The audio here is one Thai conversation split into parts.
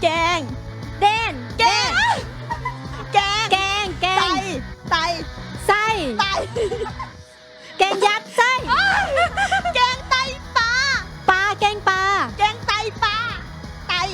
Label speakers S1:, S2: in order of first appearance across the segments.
S1: แกงเด่นแกงแกง
S2: แกง
S1: ไต
S2: ไส้
S1: ไต
S2: แกงยัดไส้
S1: แกงไตปลา
S2: ปลาแกงปลา
S1: แกงไตปลาไต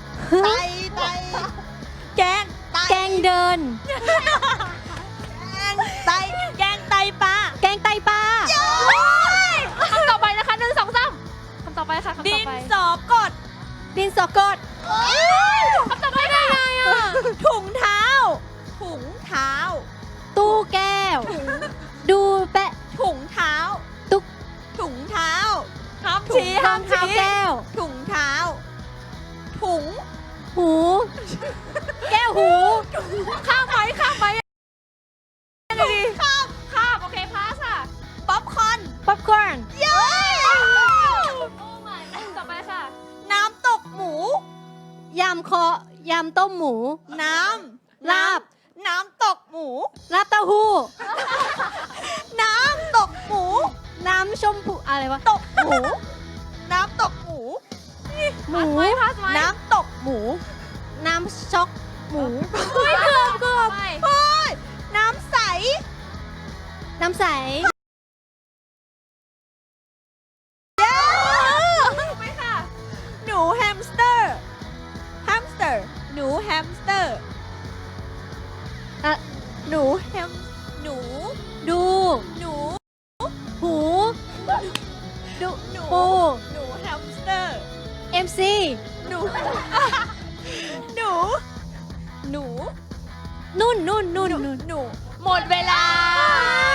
S1: แกงไต
S2: แกงเดิน
S1: แกงไตแกงไตปลา
S2: แกงไตปลา
S3: คำต่อไปนะคะ1 2 3คำต่อไปค่ะคำ
S1: ดิ
S3: ต่อน ไป
S1: สอกด
S2: ดินสอกด
S3: คำต่อไปได้ไงอ่ะ
S1: ถุงเท้าถุงเท้า
S2: ตู้แก้ว ดูแปะ
S1: ถุงเท้า
S2: ตุ๊ก
S1: ถุงเท้า
S2: ถุง
S1: ชี้
S2: รองเท้าแก้ว
S1: ถุงเท้า ถุง
S2: หู แก้วหู
S3: ข้ามไหมข้ามไหมข้ามโอเคพาสค่ะ
S1: ป๊อปคอร์น
S2: ป๊อปคอร์น
S1: เย้
S3: โอ้ my ต่อไปค่ะ
S1: น้ำตกหมู
S2: ยำต้มหมู
S1: น้ำ
S2: ลาบ
S1: น้ำตกหมู
S2: ลาบเต้าหู้
S1: น้ำตกหมู
S2: น้ำชมพูอะไรวะ
S1: ตกหมู น้ำตกหมู
S2: หมู
S3: พาสไหม
S1: น้ำตกหมู
S2: น้ำช็อกหมู
S3: เกือบไป
S1: เฮ้ย น้ำใส
S2: น้ำใส
S3: ไปค่ะ
S1: หนูแฮมสเตอร์ แฮมสเตอร์ หนูแฮมสเตอร์
S2: อะ
S1: หนูแฮม หนู
S2: ดู
S1: หนู
S2: หู ดู
S1: หนู
S2: ปู
S1: หนูแฮมสเตอร์
S2: MC
S1: หนู หนู หนู
S2: นุ่น
S1: หนู
S3: หมดเวลา